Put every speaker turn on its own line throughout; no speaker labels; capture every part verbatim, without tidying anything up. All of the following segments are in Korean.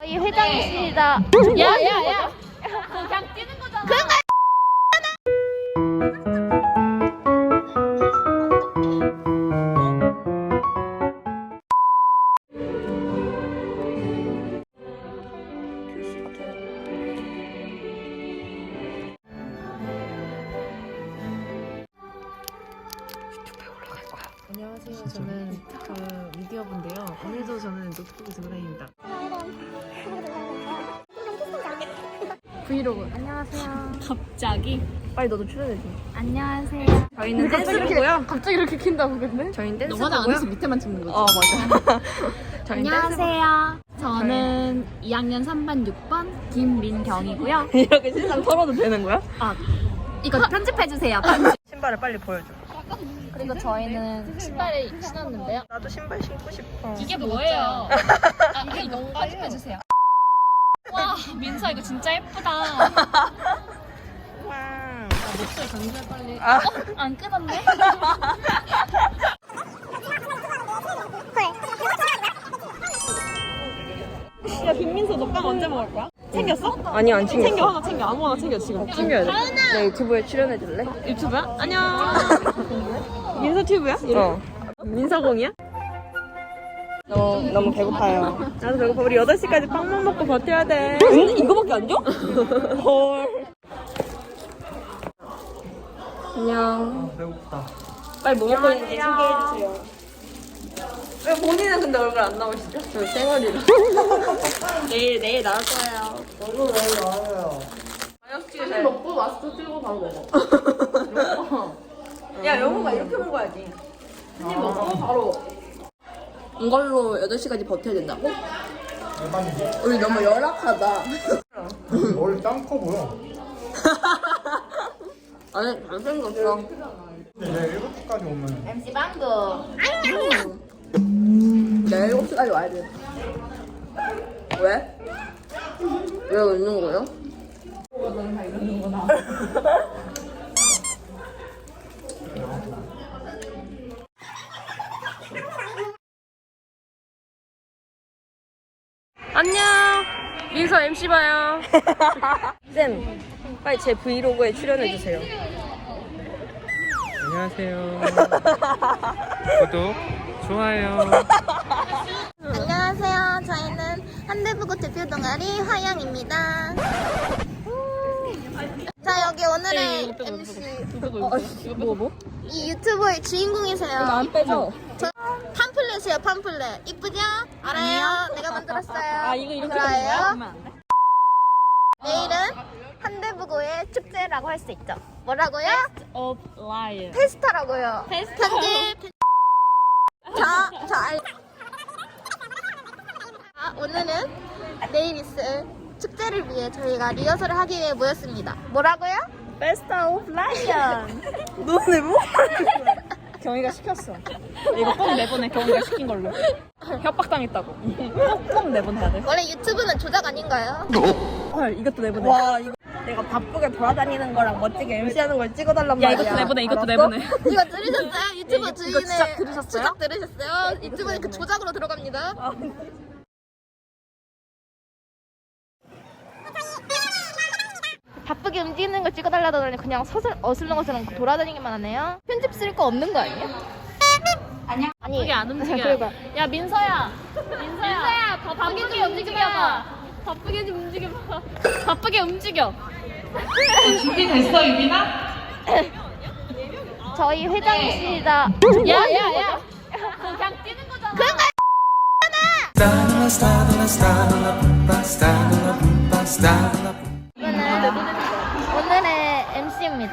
저희 회장이십니다.
야야야 그냥 뛰는 거잖아.
그러니까
안녕하세요. 저는 그 미디어분인데요. 오늘도 저는 노트북을 들고 다닙니다.
브이로그. 안녕하세요.
갑자기
빨리 너도 출연해줘.
안녕하세요.
저희는 댄스부고요.
갑자기 이렇게 킨다고 근데?
저희는
너 화장 안 해서
댄스부고요.
밑에만 찍는 거지.
어 맞아. 저희는
안녕하세요. 저는 이 학년 삼 반 육 번 김민경이고요.
댄스- 이렇게 신상 털어도 되는 거야?
아 이거 편집해 주세요. 편집.
신발을 빨리 보여줘.
그리고 저희는 신발을 신었는데요.
나도 신발 신고 싶어.
이게 뭐예요? 아, 이게 이거 편집해 주세요. 와 민서 이거 진짜 예쁘다.
와.
목소리 전달 빨리.
아.
어? 안 끊었네?
야 김민서 너 빵 언제 먹을 거야? 챙겼어? 아니 안 챙겼어. 챙겨 하나 챙겨 아무거나 챙겨 지금. 챙겨야 돼. 내 유튜브에 출연해 줄래? 유튜브야? 안녕. 민서 튜브야? 어. 민서공이야? 어, 너무 배고파요. 나도 배고파. 우리 여덟 시까지 빵만 먹고 버텨야 돼. 근데 이거밖에 안 줘? 헐. 안녕.
아, 배고프다.
빨리 뭐 먹고 있는지 소개해주세요. 왜 본인은 근데 얼굴 안 나오시죠? 저 쌩얼이라. 내일, 내일 나올 거예요.
저도 내일 나와요.
한 먹고 마스크 쓰고 바로 먹어. 야, 영호가 이렇게 먹어야지. 한 입 먹고 바로. 이걸로 여덟 시까지 버텨야 된다고?
대박이지?
우리 너무 열악하다.
머리 짱 커 보여.
아니, 잘생겼어.
근데 내일 일곱 시까지 오면
엠씨 방구.
내일 일곱 시까지 와야 돼. 왜? 왜 웃는 거예요? 안녕. 민서 엠씨 봐요. 쌤, 빨리 제 브이로그에 출연해 주세요.
안녕하세요. 구독, 좋아요.
안녕하세요. 저희는 한대부고 대표 동아리 화양입니다. 자 여기 오늘의 엠씨
뭐 뭐?
이 유튜브의 주인공이세요.
안 빼죠?
저 팜플렛이에요. 팜플렛. 이쁘죠? 알아요. 내가 만들었어요.
아 이거 이렇게
좋아요.
하면 안 돼?
내일은 한대부고의 축제라고 할 수 있죠. 뭐라고요?
of lion.
페스타라고요. 편집. 편집. 자, 자, 알... 아, 오늘은 내일 있을 축제를 위해 저희가 리허설을 하기 위해 모였습니다. 뭐라고요?
베스트 오브 라이언. 너네 뭐? 경희가 시켰어. 이거 꼭 내보내. 경희가 시킨 걸로. 협박당했다고. 꼭, 꼭 내보내야 돼.
원래 유튜브는 조작 아닌가요?
헐, 이것도 내보내. 와, 이거 내가 바쁘게 돌아다니는 거랑 멋지게 엠씨하는 걸 찍어달란
야
말이야.
이것도 내보내. 이것도
알았어?
내보내.
이거 들으셨어요? 유튜브
이거
주인의
조작 들으셨어요?
조작 들으셨어요? 유튜브는 그 조작으로 들어갑니다.
아,
바쁘게 움직이는 걸 찍어달라더니 그냥 서슬 어슬렁어슬렁 돌아다니기만 하네요. 편집 쓸 거 없는 거 아니에요? 아니야. 아니
그게 안 움직여.
그래봐.
야 민서야. 민서야. 민서야 바쁘게 좀 움직여봐. 바쁘게 좀 움직여봐. 바쁘게 움직여. 준비됐어 유빈아?
저희 회장이십니다.
야야야. 그냥 뛰는 거잖아.
그러니까 이거는 오늘의 엠씨입니다.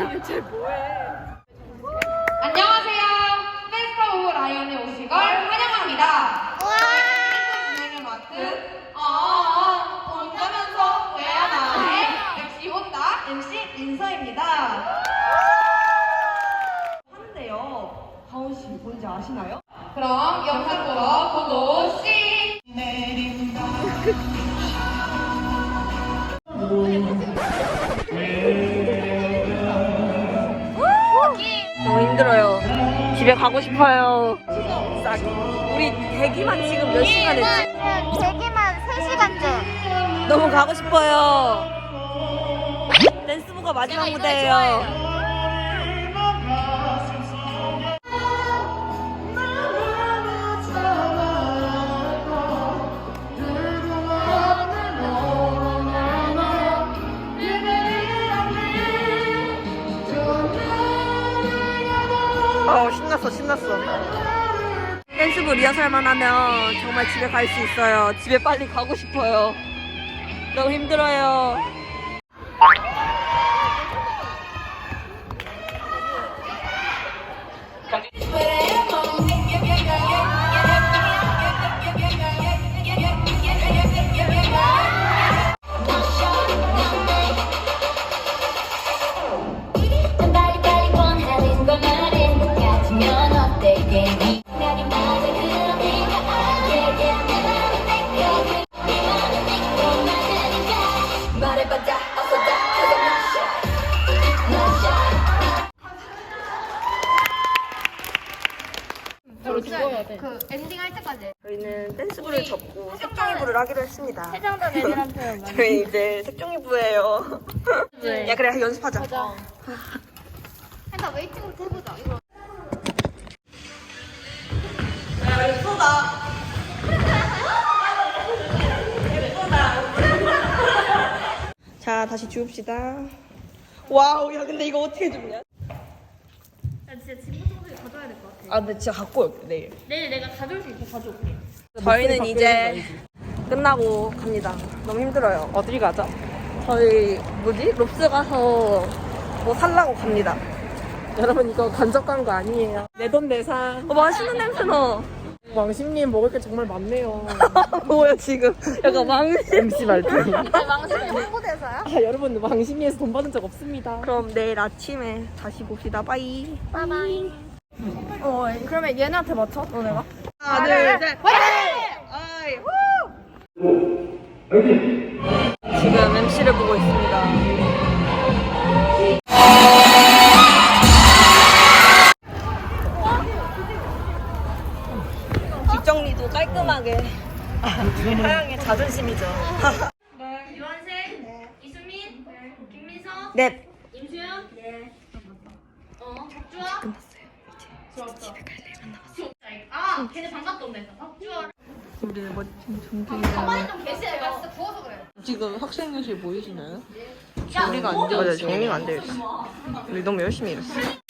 안녕하세요. 페스타 오브 라이언에 오신 걸 환영합니다.
우와!
진행을 맡은 어어 혼자면서 왜야 나의 엠씨 혼다 엠씨 민서입니다. 하는데요. 가온 씨 뭔지 아시나요? 그럼 영상 보러 고고 씨. 내린다.
너무 힘들어요. 집에 가고 싶어요. 싹. 우리 대기만 지금 몇 시간 했지?
대기만 세 시간째.
너무 가고 싶어요. 댄스부가 마지막 무대예요. 어 신났어 신났어. 댄스부 리허설만 하면 정말 집에 갈 수 있어요. 집에 빨리 가고 싶어요. 너무 힘들어요.
그 엔딩 할 때까지.
저희는 댄스부를 접고 색종이부를 하기로 했습니다.
해장단 애들한테
저희 이제 색종이부예요. 야 그래 연습하자.
일단 웨이팅부터 해보자. 이거.
야 예쁘다. 자 다시 주웁시다. 와우 야 근데 이거 어떻게 줍냐?
나 진짜 진부 청소기 가져야 될 것 같아.
아 근데 진짜 갖고 올게 내일.
내일 내가 가져올 수 있어 가져올게.
저희는 이제 끝나고 갑니다. 너무 힘들어요. 어디 가죠? 저희 뭐지? 롭스 가서 뭐 살라고 갑니다.
여러분 이거 간접 광고 아니에요. 내돈내산.
어, 맛있는 냄새 나.
왕심님 먹을 게 정말 많네요.
뭐야 지금? 약간 망신.
엠씨 말투.
망신이 홍보대사야?
아, 여러분 왕심리에서 돈 받은 적 없습니다.
그럼 내일 아침에 다시 봅시다. 빠이.
바이바이. 어, 그러면 얘네한테 맞춰? 너네가?
하나 둘 셋. 화이팅! 지금 엠씨를 보고 있습니다. 뒷정리도 깔끔하게. 하영의 자존심이죠.
유한생, 이수민, 김민서,
네.
임수연, 네. 어, 박주아. 끝났어요. 이제 집에 갈 일만 남았어. 아, 걔네 반갑다 온다. 박주아.
우리는 멋진 종기.
가만히 좀 계시네. 내가 진짜 부어서 그래.
지금 학생회실 보이시나요? 정리가 안 되어 있어요. 정리가 안 되어 있어. 우리 너무 열심히 일했어.